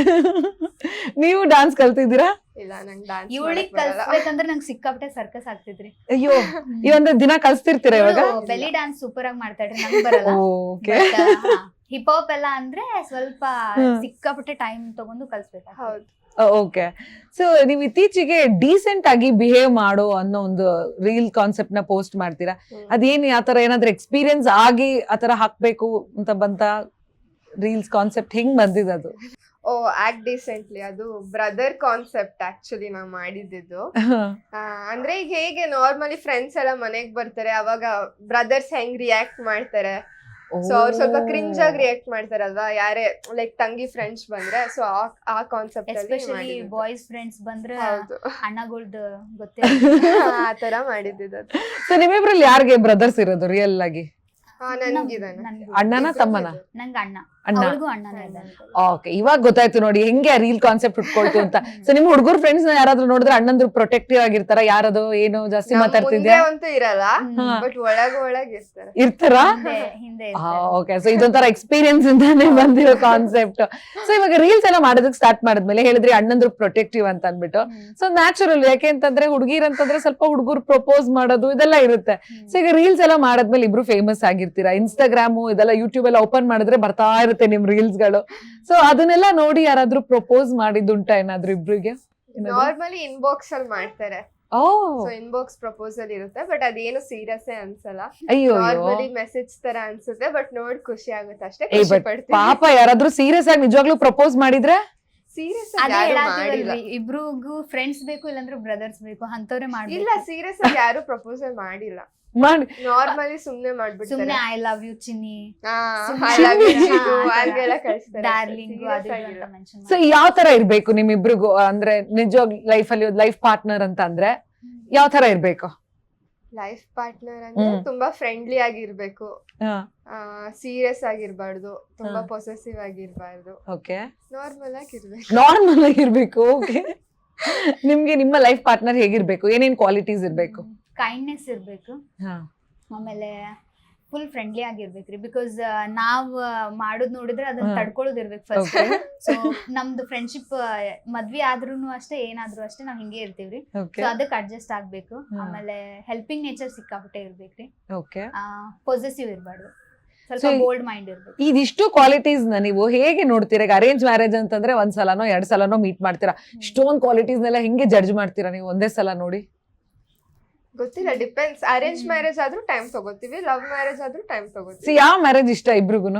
Speaker 3: ನೀವು ಡಾನ್ಸ್ ಕಲ್ತಿದ್ದೀರಾ?
Speaker 2: ಇಲ್ಲ, ನಂಗೆ ಡಾನ್ಸ್
Speaker 1: ಇವಳಿಗೆ ಕಲ್ಸ್ಬೇಕಂದ್ರೆ ನಂಗೆ ಸಿಕ್ಕಾಪಟ್ಟೆ ಸರ್ಕಸ್ ಆಗ್ತಿದ್ರಿ.
Speaker 3: ಅಯ್ಯೋ, ಈ ಒಂದು ದಿನ ಕಲ್ಸ್ತಿರ್ತೀರಾ ಇವಾಗ?
Speaker 1: ಬೆಲಿ ಡಾನ್ಸ್ ಸೂಪರ್ ಆಗಿ ಮಾಡ್ತಾಳ್ರಿ, ನಂಗೆ ಬರಲ್ಲ. ಹಿಪ್ ಹಾಪ್ ಎಲ್ಲ ಅಂದ್ರೆ ಸ್ವಲ್ಪ ಸಿಕ್ಕಾಪಟ್ಟೆ ಟೈಮ್ ತಗೊಂಡು ಕಲ್ಸ್ಬೇಕು.
Speaker 2: ಹೌದು.
Speaker 3: ಓಕೆ, ಸೊ ನೀವು ಇತ್ತೀಚೆಗೆ ಡೀಸೆಂಟ್ ಆಗಿ ಬಿಹೇವ್ ಮಾಡೋ ಅನ್ನೋ ಒಂದು ರೀಲ್ ಕಾನ್ಸೆಪ್ಟ್ ನ ಪೋಸ್ಟ್ ಮಾಡ್ತೀರಾ. ಅದೇನು ಆತರ ಏನಾದ್ರೂ ಎಕ್ಸ್ಪೀರಿಯನ್ಸ್ ಆಗಿ ಆತರ ಹಾಕ್ಬೇಕು ಅಂತ ಬಂತ ರೀಲ್ಸ್ ಕಾನ್ಸೆಪ್ಟ್ ಹೆಂಗ್ ಬಂದಿದೆ ಅದು?
Speaker 2: ಓ, ಆಕ್ಟ್ ಡೀಸೆಂಟ್ಲಿ ಅದು ಬ್ರದರ್ ಕಾನ್ಸೆಪ್ಟ್ ಆಕ್ಚುಲಿ ನಾವ್ ಮಾಡಿದ್ದು. ಅಂದ್ರೆ ಈಗ ಹೇಗೆ ನಾರ್ಮಲಿ ಫ್ರೆಂಡ್ಸ್ ಎಲ್ಲ ಮನೆಗ್ ಬರ್ತಾರೆ, ಅವಾಗ ಬ್ರದರ್ಸ್ ಹೆಂಗ್ ರಿಯಾಕ್ಟ್ ಮಾಡ್ತಾರೆ, ಸೊ ಅವ್ರು ಸ್ವಲ್ಪ ಕ್ರಿಂಜ್ ಆಗಿ ರಿಯಾಕ್ಟ್ ಮಾಡ್ತಾರಲ್ವಾ, ಯಾರೇ ಲೈಕ್ ತಂಗಿ ಫ್ರೆಂಡ್ಸ್ ಬಂದ್ರೆ, ಸೊ ಆ ಕಾನ್ಸೆಪ್ಟ್
Speaker 1: ಎಸ್ಪೆಷಲಿ ಬಾಯ್ಸ್ ಫ್ರೆಂಡ್ಸ್ ಬಂದ್ರೆ ಅಣ್ಣಗಳ್ದು ಗೊತ್ತೇ
Speaker 2: ಆ ತರ ಮಾಡಿದ್ದು.
Speaker 3: ಸೊ ನಿಮ್ಮಿಬ್ರಲ್ಲಿ ಯಾರಿಗೆ ಬ್ರದರ್ಸ್ ಇರೋದು ರಿಯಲ್ ಆಗಿ?
Speaker 2: ನನ್ಗಿದಾನೆ.
Speaker 3: ಅಣ್ಣನ ತಮ್ಮನ?
Speaker 1: ನಂಗೆ ಅಣ್ಣ,
Speaker 3: ಅಣ್ಣ.
Speaker 1: ಅವ್ಳಿಗೂ ಅಣ್ಣನೇ ಇದ್ದಾನೆ.
Speaker 3: ಓಕೆ, ಇವಾಗ ಗೊತ್ತಾಯ್ತು ನೋಡಿ ಹೆಂಗೆ ರೀಲ್ ಕಾನ್ಸೆಪ್ಟ್ ಉಟ್ಕೊಳ್ತು ಅಂತ. ಸೊ ನಿಮ್ ಹುಡುಗರು ಫ್ರೆಂಡ್ಸ್ ನ ಯಾರಾದ್ರೂ ನೋಡಿದ್ರೆ ಅಣ್ಣಂದ್ರು ಪ್ರೊಟೆಕ್ಟಿವ್ ಆಗಿರ್ತಾರ? ಯಾರದು ಏನು ಜಾಸ್ತಿ ಮಾತಾಡ್ತಿದ್ಯಾ?
Speaker 2: ಅಂತೂ ಇರಲ್ಲ, ಬಟ್ ಒಳಗ ಒಳಗ ಇರ್ತಾರ.
Speaker 3: ಇರ್ತಾರ?
Speaker 1: ಹಿಂದೆ
Speaker 3: ಓಕೆ, ಸೊ ಇದೊಂಥರ ಎಕ್ಸ್ಪೀರಿಯನ್ಸ್ ಇಂದಾನೆ ಬಂದಿರೋ ಕಾನ್ಸೆಪ್ಟ್. ಸೊ ಇವಾಗ ರೀಲ್ಸ್ ಎಲ್ಲ ಮಾಡೋದಕ್ಕೆ ಸ್ಟಾರ್ಟ್ ಮಾಡಿದ್ಮೇಲೆ ಹೇಳಿದ್ರಿ ಅಣ್ಣಂದ್ರು ಪ್ರೊಟೆಕ್ಟಿವ್ ಅಂತ ಅಂದ್ಬಿಟ್ಟು. ಸೊ ನ್ಯಾಚುರಲ್, ಯಾಕೆ ಅಂತಂದ್ರೆ ಹುಡುಗಿರ್ ಅಂತಂದ್ರೆ ಸ್ವಲ್ಪ ಹುಡುಗರು ಪ್ರಪೋಸ್ ಮಾಡೋದು ಇದೆಲ್ಲ ಇರುತ್ತೆ. ಸೊ ಈಗ ರೀಲ್ಸ್ ಎಲ್ಲ ಮಾಡಾದ್ಮೇಲೆ ಇಬ್ರು ಫೇಮಸ್ ಆಗಿರ್ತೀರಾ, ಇನ್ಸ್ಟಾಗ್ರಾಮು ಇದೆಲ್ಲ ಯೂಟ್ಯೂಬ್ ಎಲ್ಲ ಓಪನ್ ಮಾಡಿದ್ರೆ ಬರ್ತಾ ಇರುತ್ತೆ ನಿಮ್ ರೀಲ್ಸ್ ಗಳು. ಸೊ ಅದನ್ನೆಲ್ಲ ನೋಡಿ ಯಾರಾದ್ರೂ ಪ್ರಪೋಸ್ ಮಾಡಿದ್ದುಂಟ ಏನಾದ್ರು ಇಬ್ರಿಗೆ?
Speaker 2: ನಾರ್ಮಲಿ ಇನ್ಬಾಕ್ಸ್ ಅಲ್ಲಿ ಮಾಡ್ತಾರೆ.
Speaker 3: ಓ,
Speaker 2: ಸೊ ಇನ್ಬಾಕ್ಸ್ ಪ್ರಪೋಸಲ್ ಇರುತ್ತೆ, ಬಟ್ ಅದೇನು ಸೀರಿಯಸ್ ಅನ್ಸಲ್ಲ.
Speaker 3: ಅಯ್ಯೋ,
Speaker 2: ನಾರ್ಮಲಿ ಮೆಸೇಜ್ ತರ ಅನ್ಸುತ್ತೆ, ಬಟ್ ನೋಡ್ ಖುಷಿ ಆಗುತ್ತೆ ಅಷ್ಟೇ.
Speaker 3: ಏ ಬಟ್ ಪಾಪ ಯಾರಾದ್ರೂ ಸೀರಿಯಸ್ ಆಗಿ ನಿಜವಾಗ್ಲೂ ಪ್ರಪೋಸ್ ಮಾಡಿದ್ರೆ?
Speaker 2: ಸೀರಿಯಸ್
Speaker 1: ಅದೇ
Speaker 2: ಆಗಿ
Speaker 1: ಹೇಳಾತಿವಲ್ರಿ, ಇಬ್ರಿಗೂ ಫ್ರೆಂಡ್ಸ್ ಬೇಕು ಇಲ್ಲಾಂದ್ರೆ ಬ್ರದರ್ಸ್ ಬೇಕು ಅಂತವ್ರೆ ಮಾಡ್ಬೇಕು.
Speaker 2: ಇಲ್ಲ, ಸೀರಿಯಸ್ ಆಗಿ ಯಾರು ಪ್ರಪೋಸಲ್ ಮಾಡಿಲ್ಲ,
Speaker 3: ಮಾಡಿ
Speaker 2: ನಾರ್ಮಲಿ ಸುಮ್ನೆ ಮಾಡ್ಬಿಡ್ತಾರೆ.
Speaker 1: ಸುಮ್ನೆ ಐ ಲವ್ ಯು ಚಿನ್ನಿ, ಡಾರ್ಲಿಂಗ್ ಅದು ಇದು ಅಂತ ಮೆನ್ಷನ್
Speaker 3: ಸೊ ಯಾವ ತರ ಇರ್ಬೇಕು ನಿಮ್ಮಿಬ್ರಿಗೂ? ಅಂದ್ರೆ ನಿಜವಾಗ್ ಲೈಫ್ ಅಲ್ಲಿ ಲೈಫ್ ಪಾರ್ಟ್ನರ್ ಅಂತ ಅಂದ್ರೆ ಯಾವ ತರ ಇರ್ಬೇಕು?
Speaker 2: ಲೈಫ್ ಪಾರ್ಟ್ನರ್ ಅಂದ್ರೆ ತುಂಬಾ ಫ್ರೆಂಡ್ಲಿ ಆಗಿರ್ಬೇಕು, ಸೀರಿಯಸ್ ಆಗಿರ್ಬಾರ್ದು, ತುಂಬಾ ಪೊಸೆಸಿವ್ ಆಗಿರ್ಬಾರ್ದು,
Speaker 3: ಓಕೆ,
Speaker 2: ನಾರ್ಮಲ್ ಆಗಿರ್ಬೇಕು.
Speaker 3: ನಾರ್ಮಲ್ ಆಗಿರ್ಬೇಕು. ಓಕೆ, ನಿಮ್ಗೆ ನಿಮ್ಮ ಲೈಫ್ ಪಾರ್ಟ್ನರ್ ಹೇಗಿರ್ಬೇಕು? ಏನೇನ್ ಕ್ವಾಲಿಟೀಸ್ ಇರ್ಬೇಕು?
Speaker 1: ಕೈಂಡ್ನೆಸ್ ಇರ್ಬೇಕು, ಆಮೇಲೆ ಫುಲ್ ಫ್ರೆಂಡ್ಲಿ ಆಗಿರ್ಬೇಕ್ರಿ. ಬಿಕಾಸ್ ನಾವ್ ಮಾಡೋದ್ ನೋಡಿದ್ರೆ ಅದನ್ನ ತಡ್ಕೊಳ್ಳೋದ್ ಇರ್ಬೇಕು ಫಸ್ಟ್. ಸೊ ನಮ್ದು ಫ್ರೆಂಡ್ಶಿಪ್ ಮದ್ವಿ ಆದ್ರೂನು ಅಷ್ಟೇ, ಏನಾದ್ರು ಅಷ್ಟೇ ನಾವ್ ಹಿಂಗೆ ಇರ್ತೀವ್ರಿ. ಸೊ ಅದಕ್ಕೆ ಅಡ್ಜಸ್ಟ್ ಆಗ್ಬೇಕು. ಆಮೇಲೆ ಹೆಲ್ಪಿಂಗ್ ನೇಚರ್ ಸಿಕ್ಕಾಪಟ್ಟೆ ಇರ್ಬೇಕ್ರಿ. ಪೊಸೆಸಿವ್ ಇರ್ಬಾರ್ದು, ಸ್ವಲ್ಪ ಬೋಲ್ಡ್ ಮೈಂಡ್ ಇರ್ಬೇಕು.
Speaker 3: ಇದಿಷ್ಟು ಕ್ವಾಲಿಟೀಸ್ ನ ನೀವು ಹೇಗೆ ನೋಡ್ತೀರಾ? ಈಗ ಅರೇಂಜ್ ಮ್ಯಾರೇಜ್ ಅಂತಂದ್ರೆ ಒಂದ್ ಸಲನೋ ಎರಡ್ ಸಲನೋ ಮೀಟ್ ಮಾಡ್ತೀರಾ, ಇಷ್ಟೊಂದ್ ಕ್ವಾಲಿಟೀಸ್ ನೆಲ್ಲ ಹೆಂಗೆ ಜಡ್ಜ್ ಮಾಡ್ತೀರಾ ನೀವು ಒಂದೇ ಸಲ ನೋಡಿ?
Speaker 2: ಗೊತ್ತಿಲ್ಲ, ಡಿಪೆಂಡ್ಸ್. ಅರೇಂಜ್ ಮ್ಯಾರೇಜ್ ಆದ್ರೂ ಟೈಮ್ ತಗೋತೀವಿ, ಲವ್ ಮ್ಯಾರೇಜ್ ಆದ್ರೂ ಟೈಮ್ ತಗೋತೀವಿ.
Speaker 3: ಯಾವ ಮ್ಯಾರೇಜ್ ಇಷ್ಟ ಇಬ್ರಿಗೂನು?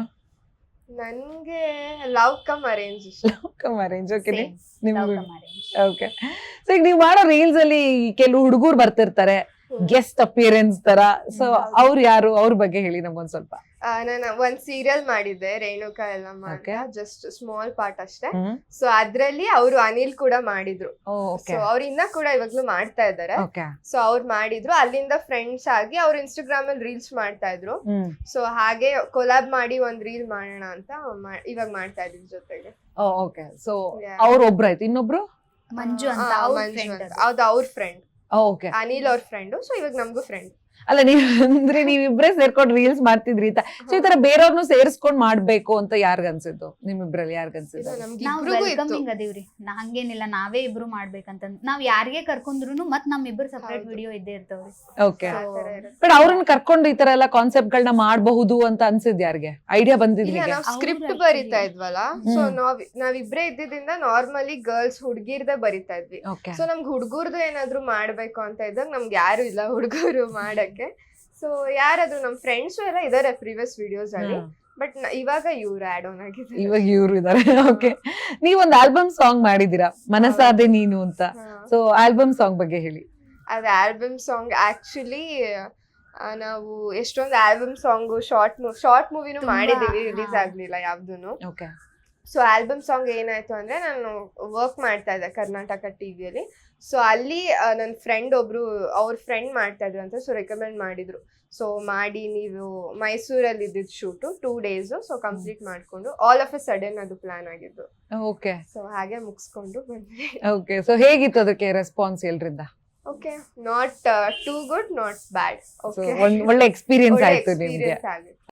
Speaker 2: ನನ್ಗೆ ಲವ್ ಕಮ್ ಅರೇಂಜ್ ಇಷ್ಟ.
Speaker 3: Love come arrange. ಓಕೆ, ನಿಮ್ಗೆ ಓಕೆ. ಸೊ ಈಗ ನೀವು ಮಾಡೋ ರೀಲ್ಸ್ ಅಲ್ಲಿ ಕೆಲವು ಹುಡುಗರು ಬರ್ತಿರ್ತಾರೆ ಗೆಸ್ಟ್ ಅಪಿಯರೆನ್ಸ್ ತರ, ಸೊ ಅವ್ರು ಯಾರು? ಅವ್ರ ಬಗ್ಗೆ ಹೇಳಿ ನಮ್ಗೊಂದ್ ಸ್ವಲ್ಪ.
Speaker 2: ನಾನು ಒಂದ್ ಸೀರಿಯಲ್ ಮಾಡಿದ್ದೆ, ರೇಣುಕಾ ಎಲ್ಲ ಮಾಡಿ, ಜಸ್ಟ್ ಸ್ಮಾಲ್ ಪಾರ್ಟ್ ಅಷ್ಟೇ. ಸೊ ಅದ್ರಲ್ಲಿ ಅವರು ಅನಿಲ್ ಕೂಡ ಮಾಡಿದ್ರು. ಸೊ ಅವ್ರ ಇನ್ನ ಕೂಡ ಇವಾಗ್ಲೂ ಮಾಡ್ತಾ ಇದ್ದಾರೆ. ಸೊ ಅವ್ರು ಮಾಡಿದ್ರು, ಅಲ್ಲಿಂದ ಫ್ರೆಂಡ್ಸ್ ಆಗಿ ಅವ್ರು ಇನ್ಸ್ಟಾಗ್ರಾಮ್ ಅಲ್ಲಿ ರೀಲ್ಸ್ ಮಾಡ್ತಾ ಇದ್ರು. ಸೊ ಹಾಗೆ ಕೊಲಾಬ್ ಮಾಡಿ ಒಂದ್ ರೀಲ್ ಮಾಡೋಣ ಅಂತ ಇವಾಗ ಮಾಡ್ತಾ ಇದ್ರು ಜೊತೆಗೆ.
Speaker 3: ಓಕೆ, ಸೊ ಅವ್ರ ಒಬ್ರಾಯ್ತು, ಇನ್ನೊಬ್ರು
Speaker 1: ಮಂಜು ಅಂತ,
Speaker 2: ಹೌದು ಅವ್ರ ಫ್ರೆಂಡ್.
Speaker 3: ಓಕೆ,
Speaker 2: ಅನಿಲ್ ಅವ್ರ ಫ್ರೆಂಡ್. ಸೊ ಇವಾಗ ನಮ್ಗೂ ಫ್ರೆಂಡ್.
Speaker 3: ಅಲ್ಲ, ನೀವ್ ಅಂದ್ರೆ ನೀವಿಬ್ರೇ ಸೇರ್ಕೊಂಡು ರೀಲ್ಸ್ ಮಾಡ್ತಿದ್ರಿ ಅಂತ. ಸೊ ಈ ತರ ಬೇರೆಯವ್ರನ್ನು ಸೇರಿಸ್ಕೊಂಡ್ ಮಾಡ್ಬೇಕು ಅಂತ ಯಾರ್ಗ ಅನ್ಸಿದ್ದು? ನಿಮ್ಮಿಬ್ರಲ್ಲಿ ಯಾರ್ಗ ಅನ್ಸಿದ್ದು?
Speaker 1: ವೆಲ್ಕಮಿಂಗ್ ಅದೀವ್ರಿ, ಹಂಗೇನಿಲ್ಲ ನಾವೇ ಇಬ್ರು ಮಾಡ್ಬೇಕಂತ. ನಾವ್ ಯಾರಿಗೆ ಕರ್ಕೊಂಡ್ರು ಮತ್ ನಮ್ ಇಬ್ರು ಸಪರೇಟ್ ವಿಡಿಯೋ ಇದ್ದೇ ಇರ್ತಾವ್ರಿ.
Speaker 3: ಓಕೆ, ಬಟ್ ಅವ್ರನ್ನ ಕರ್ಕೊಂಡು ಈ ತರ ಎಲ್ಲ ಕಾನ್ಸೆಪ್ಟ್ ಗಳನ್ನ ಮಾಡಬಹುದು ಅಂತ ಅನ್ಸಿದ್ ಯಾರಿಗೆ? ಐಡಿಯಾ ಬಂದಿದ್ರಿ?
Speaker 2: ಸ್ಕ್ರಿಪ್ಟ್ ಬರಿತಾ ಇದ್ವಲ್ಲ, ಸೊ ನಾವ್ ನಾವಿಬ್ರೇ ಇದ್ದಿದ್ದಿಂದ ನಾರ್ಮಲಿ ಗರ್ಲ್ಸ್ ಹುಡ್ಗಿರ್ದೆ ಬರಿತಾ ಇದ್ವಿ. ಸೊ ನಮ್ಗೆ ಹುಡ್ಗುರ್ದು ಏನಾದ್ರು ಮಾಡ್ಬೇಕು ಅಂತ ಇದ್ದಾಗ ನಮ್ಗೆ ಯಾರು ಇಲ್ಲ ಹುಡ್ಗರು ಮಾಡಕ್ಕೆ. ಸೊ ಯಾರಾದ್ರೂ ನಮ್ ಫ್ರೆಂಡ್ಸ್ ಎಲ್ಲ ಇದಾರೆ ಪ್ರೀವಿಯಸ್ ವಿಡಿಯೋಸ್ ಅಲ್ಲಿ, ಬಟ್ ಇವಾಗ ಇವ್ರು ಆಡ್ ಆನ್ ಆಗಿದ್ದಾರೆ.
Speaker 3: ಇವಾಗ ಇವ್ರು ಇದಾರೆ. ಓಕೆ, ನೀವೊಂದು ಆಲ್ಬಮ್ ಸಾಂಗ್ ಮಾಡಿದೀರಾ, ಮನಸಾದೆ ನೀನು ಅಂತ. ಸೊ ಆಲ್ಬಮ್ ಸಾಂಗ್ ಬಗ್ಗೆ ಹೇಳಿ.
Speaker 2: ಅದ್ ಆಲ್ಬಮ್ ಸಾಂಗ್ ಆಕ್ಚುಲಿ ಆ, ನಾವು ಎಷ್ಟೊಂದು ಆಲ್ಬಮ್ ಸಾಂಗ್ ಶಾರ್ಟ್ ಶಾರ್ಟ್ ಮೂವಿನೂ
Speaker 1: ತುಂಬಾ,
Speaker 2: ಮಾಡಿದೀವಿ, ರಿಲೀಸ್
Speaker 1: ಹಾ.
Speaker 2: ಆಗ್ಲಿಲ್ಲ ಯಾವ್ದೂನು.
Speaker 3: ಓಕೆ
Speaker 2: ಸೊ ಆಲ್ಬಮ್ ಸಾಂಗ್ ಏನಾಯ್ತು ಅಂದ್ರೆ ನಾನು ವರ್ಕ್ ಮಾಡ್ತಾ ಇದ್ದೆ ಕರ್ನಾಟಕ ಟಿವಿಯಲ್ಲಿ. ಸೊ ಅಲ್ಲಿ ನನ್ನ ಫ್ರೆಂಡ್ ಒಬ್ರು ಅವ್ರ ಫ್ರೆಂಡ್ ಮಾಡ್ತಾ ಇದ್ರು ಅಂತ, ಸೊ ರೆಕಮೆಂಡ್ ಮಾಡಿದ್ರು. ಸೊ ಮಾಡಿ ನೀವು ಮೈಸೂರಲ್ಲಿ ಇದ್ದಿದ್ದು shoot two days, so complete ಮಾಡ್ಕೊಂಡು ಆಲ್ ಆಫ್ ಎ ಸಡನ್ ಅದು ಪ್ಲಾನ್ ಆಗಿದ್ದು.
Speaker 3: ಓಕೆ
Speaker 2: ಸೊ ಹಾಗೆ ಮುಗಿಸ್ಕೊಂಡು ಬಂದ್ವಿ.
Speaker 3: ಓಕೆ ಸೊ ಹೇಗಿತ್ತು ಅದಕ್ಕೆ ರೆಸ್ಪಾನ್ಸ್ ಎಲ್ರಿಂದ?
Speaker 2: Okay, not too good not bad.
Speaker 3: So,
Speaker 2: okay,
Speaker 3: ಒಂದ್ ಒಳ್ಳೆ ಎಕ್ಸ್ಪೀರಿಯನ್ಸ್ ಆಯ್ತು ನಿಮ್ಗೆ.
Speaker 2: ಎಕ್ಸ್ಪೀರಿಯನ್ಸ್ ಆಗಿತ್ತು.